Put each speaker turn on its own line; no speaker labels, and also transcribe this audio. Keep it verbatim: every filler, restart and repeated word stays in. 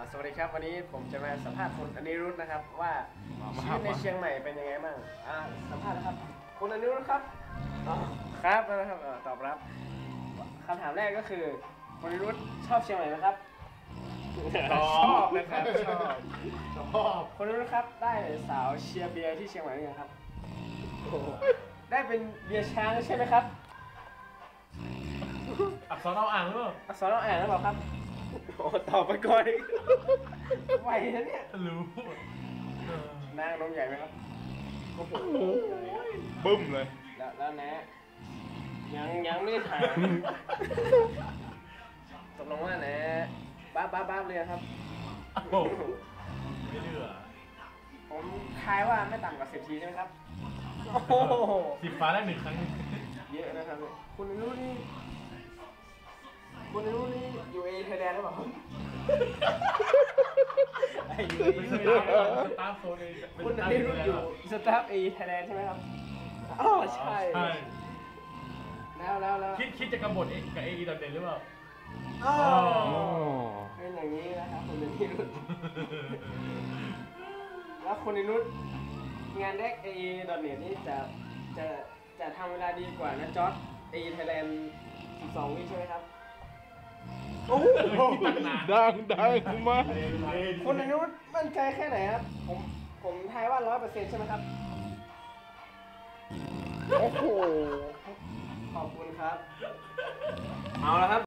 สวัสดีครับวันนี้ผมจะมาสัมภาษณ์คุณอนิรุธนะครับว่าชีวิตในเชียงใหม่เป็นยังไงบ้างอ่าสัมภาษณ์นะครับคุณอนิรุธครับอ๋อครับนะครับเอ่อตอบรับคำถามแรกก็คือคุณอนิรุธชอบเชียงใหม่ไหมครับชอบนะครับชอบชอบคุณอนิรุธครับได้สาวเชียร์เบียร์ที่เชียงใหม่หรือยังครับได้เป็นเบียร์ช้างใช่ไหมครับ
อักษรเอาอ่างหรือเปล่า
อักษรเราอ่านแล้วเปล่าครับโอ้ตอบไปก่อนอีกไหวนะเนี่ย
รู้เออน
างนมใหญ่ไหมครับโอ้โห
บึ้มเลย
แล้วแล้วนะยังยังไม่ถาม ตกลงว่านะบ้าบ้าบ้าเลยครับ
โอ้โหไม่เหลือ
ผมทายว่าไม่ต่ำกว่าสิบทีใช่ไหมครับโอ้โห
สีฟ้าได้หนึ่งครั้ง
เยอะนะครับเนี่ยคุณรู้นี่คุณรู้นี่อยู่เอไทยแลนด์หรือเปล่าครับไอ้ยู
เป็น
เอ
ส
ไม่
ตา
ได้
ร์
ครับ
สตาร์โซนเองเป็น
คุณ
สตา
อ
ร์
นิ
โซ
รุธ
น
อยู่สตาฟเอไทยแลนด์ใช่ไหมครับอ๋อใช่
ใช่
แล้วแล้วแล้ว
คิดคิดจะกำบดเองกับเอไอดอทเด่นหรือเปล่า
อ๋อ
อ๋อ
เป็นอย่างนี้นะครับคุณอนิรุธแล้วคุณอนิรุธงานแรกเอดอทเน็ตนี่จะจะจะทำเวลาดีกว่านะจอร์ดเอไทยแลนด์สิบสองวิใช่ไหมครับโอ้โห
ตั้งนาน
ดังดังมาก
คุณอนิรุธมั่นใจแค่ไหนครับผมผมทายว่าร้อยเปอร์เซ็นต์ใช่ไหมครับ
โอ้โห
ขอบคุณครับ เอาละครับ